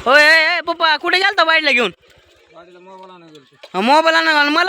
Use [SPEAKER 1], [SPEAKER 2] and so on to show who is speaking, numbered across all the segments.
[SPEAKER 1] होय ए, पप्पा कुठे गेलता वाईटला घेऊन मोबाईल आणा मला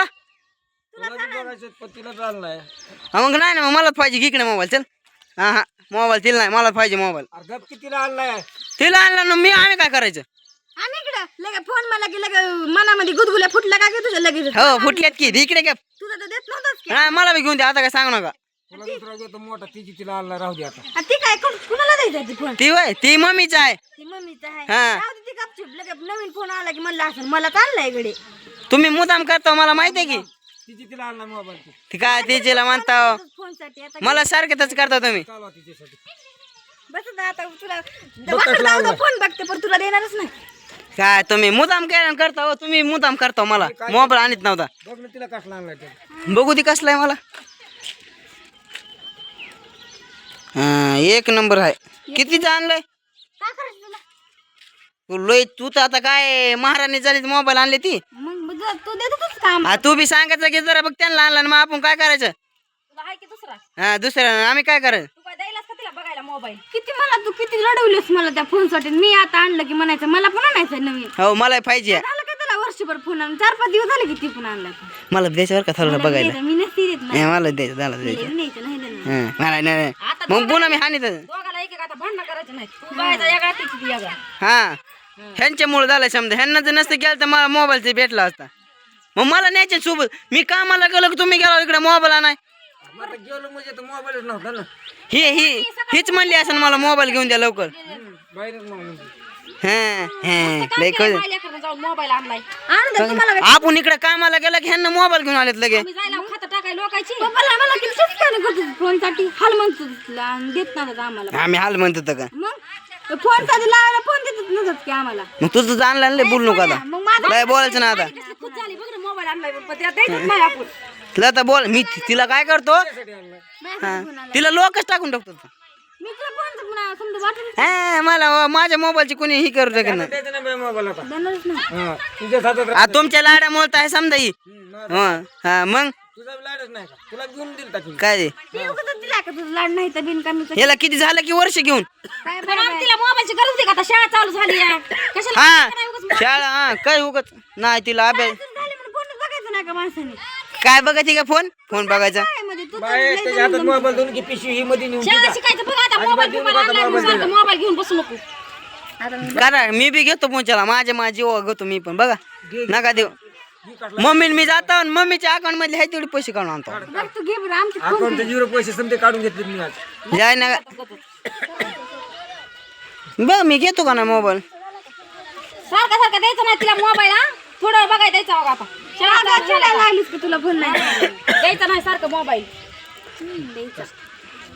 [SPEAKER 1] मग नाही ना मग मलाच पाहिजे इकडे मोबाईल चल हा हा मोबाईल तिला नाही मलाच पाहिजे मोबाईल
[SPEAKER 2] तिला आणलाय
[SPEAKER 1] तिला आणला ना मी आम्ही काय करायचं
[SPEAKER 3] आम्ही इकडे लगे फोन मला की लगे मनामध्ये गुदगुल्या फुटला का तुझ्या लगेच
[SPEAKER 1] हो फुटल्यात की इकडे घ्या
[SPEAKER 3] तुझं तर देत नव्हतंच की
[SPEAKER 1] नाही मला बी घेऊन द्या आता काय सांगू नका
[SPEAKER 2] तुला दुसरा घेतो मोठा तिची तिला आणला राहू दे आता
[SPEAKER 3] आ, ती काय कुणाला द्यायचं ती फोन
[SPEAKER 1] ती वय ती मम्मीच आहे
[SPEAKER 3] ती मम्मीचा आहे
[SPEAKER 1] हा.
[SPEAKER 3] राहू दे ती गपचूप लगे नवीन फोन आला की म्हणलं असं मला चाललाय इकडे
[SPEAKER 1] तुम्ही मुदाम करता मला माहिती आहे की
[SPEAKER 2] तिची तिला आणला मोबाईल
[SPEAKER 1] ती काय तिला म्हणता
[SPEAKER 3] फोन साठी आता
[SPEAKER 1] मला सारखं तसं करता तुम्ही
[SPEAKER 2] चालवा तिच्यासाठी
[SPEAKER 3] बस आता तुला फोन बघते पण तुला देणारच नाही
[SPEAKER 1] काय तुम्ही मुदाम काय करता हो तुम्ही मुदाम करता मला मोबाईल आणत नव्हता
[SPEAKER 2] बघ ना तिला कसला आणलाय ते
[SPEAKER 1] बघू ती कसला आहे मला हा एक नंबर आहे कितीचं आणलंय
[SPEAKER 3] काय करायचं तुला
[SPEAKER 1] तू लय तू तर आता काय महाराणी झाली मोबाईल आणली ती
[SPEAKER 3] मग तू देतच काम
[SPEAKER 1] तू बी सांगायचं की जरा बघ त्यांना आणला ना मग आपण काय करायचं
[SPEAKER 3] तुला आहे की दुसरा
[SPEAKER 1] हा दुसऱ्या आम्ही काय करायचं
[SPEAKER 3] तू काय द्यायलास का तिला बघायला मोबाईल तू किती रडवलीस मला त्या फोन साठी मी आता आणलं की म्हणायचं मला पण आणायचं नवीन
[SPEAKER 1] हो मला पाहिजे
[SPEAKER 3] झालं का त्याला वर्षभर फोन आणून 4-5 दिवस झाले की ती पण आणला
[SPEAKER 1] मला द्यायचं बरं का थोडं बघायला
[SPEAKER 3] मी नसती देत नाही
[SPEAKER 1] मला द्यायचं झालं द्यायचं
[SPEAKER 3] न्यायचं नाही देणार.
[SPEAKER 1] हा, मला नाही मग पुन्हा मी हानी
[SPEAKER 3] दोघाला एक आता भांडण करायचं नाही तू बघायचा यागा तिची ती यागा
[SPEAKER 1] हा ह्यांच्यामुळे झालं समजा ह्यांना जर नसतं गेलं तर मला मोबाईलचं भेटला असता मग मला न्यायचे सोबत मी कामाला गेलो की तुम्ही गेला इकडे मोबाईल आणाय
[SPEAKER 2] आता गेलो म्हणजे तर मोबाईलच नव्हता ना
[SPEAKER 1] हीच म्हणली असं मला मोबाईल घेऊन द्या लवकर
[SPEAKER 2] बाहेरच नव्हतं
[SPEAKER 1] लय कळ
[SPEAKER 3] जाऊन मोबाईल आणलाय आणलं तुम्हाला
[SPEAKER 1] आपण इकडे कामाला गेला की ह्यांना मोबाईल घेऊन आलेत लगे
[SPEAKER 3] जायला खातं टाकाय लोकांची मला किती शिस्ताने करतो फोन साठी हाल म्हणतो देत नाही आम्हाला
[SPEAKER 1] आम्ही हाल म्हणतो होतो का
[SPEAKER 3] मग फोन साठी लावायला फोन देतच नसत की आम्हाला
[SPEAKER 1] मग तुझं जाणलं लय बोलू नका आता
[SPEAKER 3] मग माझा
[SPEAKER 1] लय बोलायचं ना आता
[SPEAKER 3] खुद झाली बघ ना मोबाईल आणलाय पण त्या द्यायचंच नाही आपण
[SPEAKER 1] तिला तर बोल मी तिला काय करतो हा, तिला लोकच टाकून टाकतो
[SPEAKER 3] मी तुला फोन पुन्हा समजा वाटून
[SPEAKER 1] हा, मला माझ्या मोबाईलची कोणी ही करू शकत नाही
[SPEAKER 2] द्यायचं नाही मोबाईल आता
[SPEAKER 3] देणारच नाही
[SPEAKER 2] हा तुझ्या हातात
[SPEAKER 1] आ, तुमच्या लाड्यामुळे तर आहे समजा ही हा मग
[SPEAKER 2] तुझा लाडच नाही का तुला घेऊन दिल का
[SPEAKER 1] काय ते?
[SPEAKER 3] ते उगाच दिला का तुझं लाड नाही तर बिनकामीचं
[SPEAKER 1] याला किती झालं की वर्ष घेऊन
[SPEAKER 3] काय बरं तिला मोबाईलची गरज आहे का आता शाळा चालू झाली आहे कशाला
[SPEAKER 1] हा शाळा हा काय उगत नाही तिला अभ्यास
[SPEAKER 3] झाली म्हणून फोनच बघायचं नाही का माणसाने
[SPEAKER 1] काय बघायची का फोन बघायचा
[SPEAKER 3] काय म्हणजे तू
[SPEAKER 2] बाय त्याच्या हातात मोबाईल देऊन की पिशवी ही मध्ये नेऊन
[SPEAKER 3] शाळा शिकायचं बघ आता मोबाईल मोबाईल घेऊन बसू नको आता मी
[SPEAKER 1] करा मी बी घेतो पोचाला माझ्या जीवा घेतो मी पण बघा नका देऊ मम्मी मी जातो आणि मम्मीच्या अकाउंट मध्ये आहे तेवढे पैसे काढून आणतो
[SPEAKER 3] बघ तू घे बरं आमची
[SPEAKER 2] अकाउंट 0 पैसे समजे काढून घेतले मी आज
[SPEAKER 1] जाय ना बघ मी घेतो का ना मोबाईल
[SPEAKER 3] सारखं द्यायचं नाही तिला मोबाईल हा थोडं बघायला द्यायचा बघा आता शाळा लागलीस की तुला फोन नाही द्यायचा नाही सारखं मोबाईल द्यायचा